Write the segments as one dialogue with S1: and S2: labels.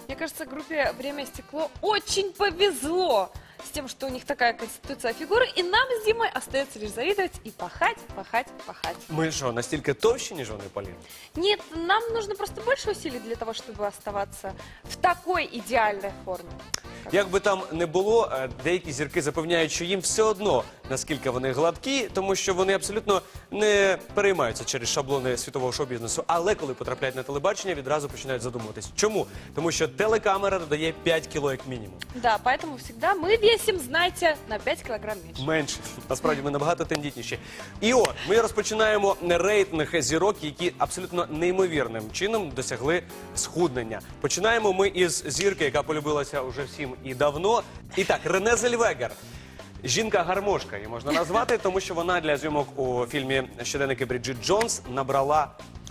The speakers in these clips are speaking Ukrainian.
S1: Мне кажется, группе «Время и стекло» очень повезло с тем, что у них такая конституция фигуры, и нам с Димой остается лишь завидовать и пахать, пахать, пахать.
S2: Ми що, настільки товщі, ніж вони, Полін?
S1: Нет, нам нужно просто больше усилий для того, чтобы оставаться в такой идеальной форме.
S2: Як би там не було, деякі зірки запевняють, що їм все одно, наскільки вони гладкі, тому що вони абсолютно не переймаються через шаблони світового шоу-бізнесу. Але коли потрапляють на телебачення, відразу починають задумуватись. Чому? Тому що телекамера додає 5 кіло як мінімум.
S1: Да, поэтому всегда мы весим, знаете, на 5 килограмм меньше.
S2: Менше. Насправді ми набагато тендітніші. І от, ми розпочинаємо рейтинг зірок, які абсолютно неймовірним чином досягли схуднення. Починаємо ми із зірки, яка полюбилася уже всім і давно. І так, Рене Зельвегер. Жінка-гармошка її можна назвати, тому що вона для зйомок у фільмі «Щоденники Бріджит Джонс» набрала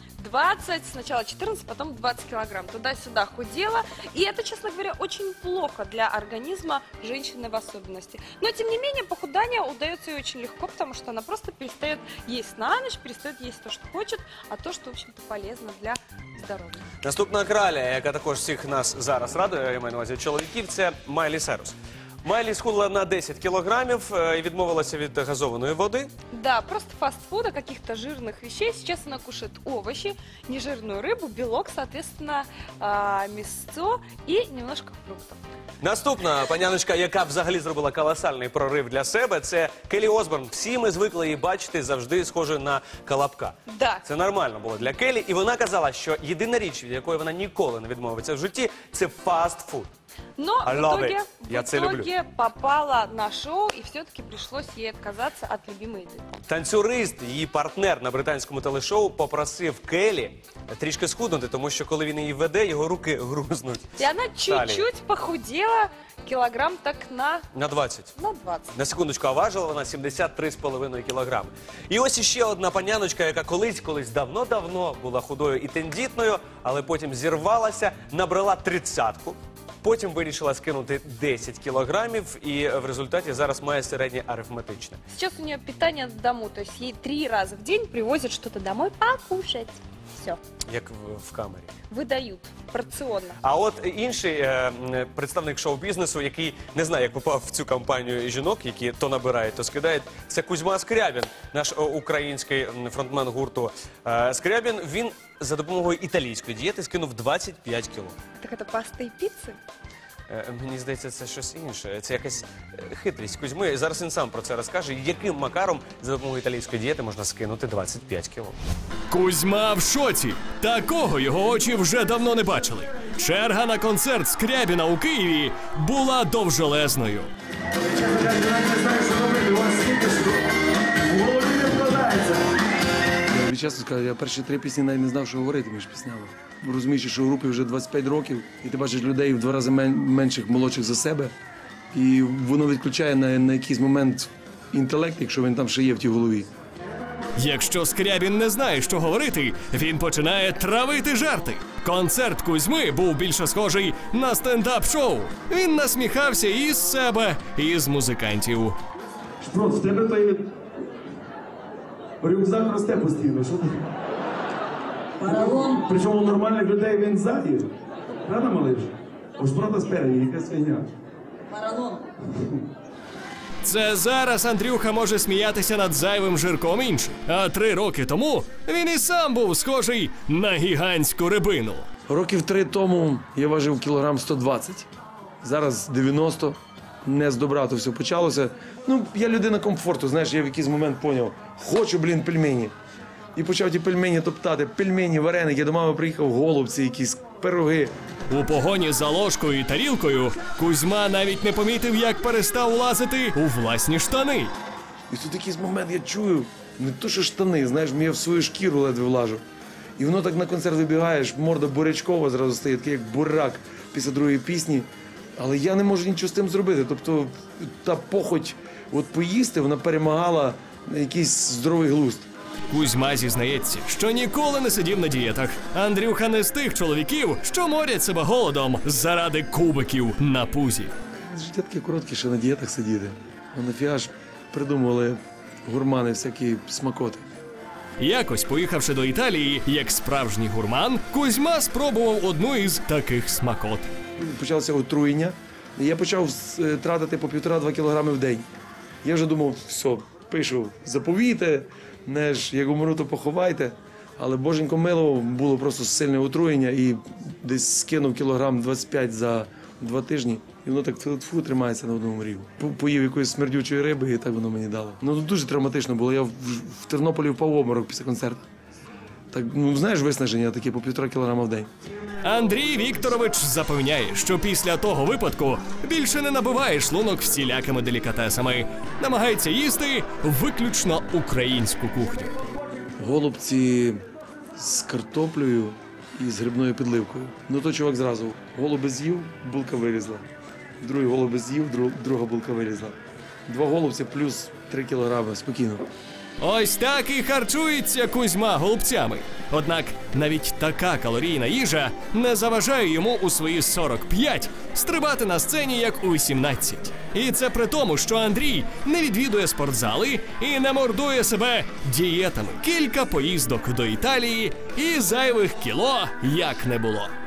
S1: 20, сначала 14, потом 20 килограмм. Туда-сюда худела. И это, честно говоря, очень плохо для организма женщины в особенности. Но, тем не менее, похудание удается ей очень легко, потому что она просто перестает есть на ночь, перестает есть то, что хочет, а то, что, в общем-то, полезно для здоровья.
S2: Наступна краля, яка також всіх нас зараз радує, я маю на увазі чоловіків, це Майлі Сайрус. Майлі схудла на 10 кілограмів і відмовилася від газованої води.
S1: Да, просто фастфуда, каких-то жирных вещей. Сейчас она кушает овощи, нежирную рыбу, белок, соответственно, мясо и немножко фруктов.
S2: Наступна паняночка, яка взагалі зробила колосальний прорив для себе, це Келлі Осборн. Всі ми звикли її бачити завжди схожою на Колобка.
S1: Да.
S2: Це нормально було для Келлі. І вона казала, що єдина річ, від якої вона ніколи не відмовиться в житті, це фастфуд.
S1: Но
S2: I love it.
S1: в итоге попала на шоу, и все-таки пришлось ей отказаться от любимой еды.
S2: Танцюрист, її партнер на британському телешоу, попросив Келлі трішки схуднути, тому що коли він її веде, його руки грузнуть.
S1: И она чуть-чуть похудела, килограмм так на
S2: 20.
S1: 20.
S2: На секундочку, а важила вона 73,5 кілограми. І ось іще одна паняночка, яка колись давно-давно була худою і тендітною, але потім зірвалася, набрала 30-ку. Потім вирішила скинути 10 кілограмів і в результаті зараз має середнє арифметичне.
S1: Сейчас у нее питание на дому, то есть ей 3 раза в день привозят что-то домой покушать. Все,
S2: Як в камері.
S1: выдают порционно.
S2: А от інший представник шоу-бізнесу, який не знає, як попав в цю компанію жінок, які то набирають, то скидають, це Кузьма Скрябін, наш український фронтмен гурту Скрябін. Він за допомогою італійської дієти скинув 25 кіло.
S1: Так это паста и пиццы?
S2: Мені здається, це щось інше. Це якась хитрість Кузьми. Зараз він сам про це розкаже, яким макаром за допомогою італійської дієти можна скинути 25 кіло.
S3: Кузьма в шоці. Такого його очі вже давно не бачили. Черга на концерт Скрябіна у Києві була довжелезною.
S4: Я чесно скажу, я перші 3 пісні навіть не знав, що говорити між піснями. Розумієш, що в групі вже 25 років, і ти бачиш людей в 2 рази менших, молодших за себе, і воно відключає на якийсь момент інтелект, якщо він там ще є в тій голові.
S3: Якщо Скрябін не знає, що говорити, він починає травити жарти. Концерт Кузьми був більше схожий на стендап-шоу. Він насміхався і з себе, і з музикантів.
S5: Шпрот, в тебе той рюкзак росте постійно, що ти?
S6: Паралон.
S5: Причому у нормальних людей він ззаді. Правда, малиш? У Шпрота спереді, якась фігня.
S6: Паралон.
S3: Це зараз Андрюха може сміятися над зайвим жирком інших. А 3 роки тому він і сам був схожий на гігантську рибину.
S4: Років 3 тому я важив кілограм 120, зараз 90, не з добра то все почалося. Ну, я людина комфорту, знаєш, я в якийсь момент поняв, хочу, пельмені. І почав ті пельмені топтати, пельмені, вареники, я до мами приїхав, голубці якісь, пироги.
S3: У погоні за ложкою і тарілкою Кузьма навіть не помітив, як перестав лазити у власні штани.
S4: І тут якийсь момент я чую, не то що штани, знаєш, я в свою шкіру ледве влажу. І воно так на концерт вибігаєш, морда бурячкова зразу стає, такий як бурак після другої пісні. Але я не можу нічого з тим зробити. Тобто та похоть от поїсти, вона перемагала якийсь здоровий глузд.
S3: Кузьма зізнається, що ніколи не сидів на дієтах. Андрюха не з тих чоловіків, що морять себе голодом заради кубиків на пузі.
S4: Життя таке коротке, що на дієтах сидіти. А нафіга ж придумували гурмани всякі смакоти.
S3: Якось, поїхавши до Італії, як справжній гурман, Кузьма спробував одну із таких смакот.
S4: почалося отруєння. І я почав тратити по 1,5-2 кілограми в день. Я вже думав, все, пишу, заповійте, як умру, то поховайте. Але боженько мило, було просто сильне отруєння і десь скинув кілограм 25 за 2 тижні. І воно так тьфу тримається на одному рівні. Поїв якоїсь смердючої риби і так воно мені дало. Ну дуже травматично було. Я в Тернополі впав в обморок після концерту. Так, ну знаєш, виснаження таке по 1,5 кілограма в день.
S3: Андрій Вікторович запевняє, що після того випадку більше не набиває шлунок всілякими делікатесами. Намагається їсти виключно українську кухню.
S4: Голубці з картоплею і з грибною підливкою. Ну то чувак зразу голуби з'їв, булка вилізла. Другий голуби з'їв, друга булка вилізла. 2 голубці плюс 3 кілограми, спокійно.
S3: Ось так і харчується Кузьма голубцями. Однак навіть така калорійна їжа не заважає йому у свої 45 стрибати на сцені як у 17. І це при тому, що Андрій не відвідує спортзали і не мордує себе дієтами. Кілька поїздок до Італії і зайвих кіло як не було.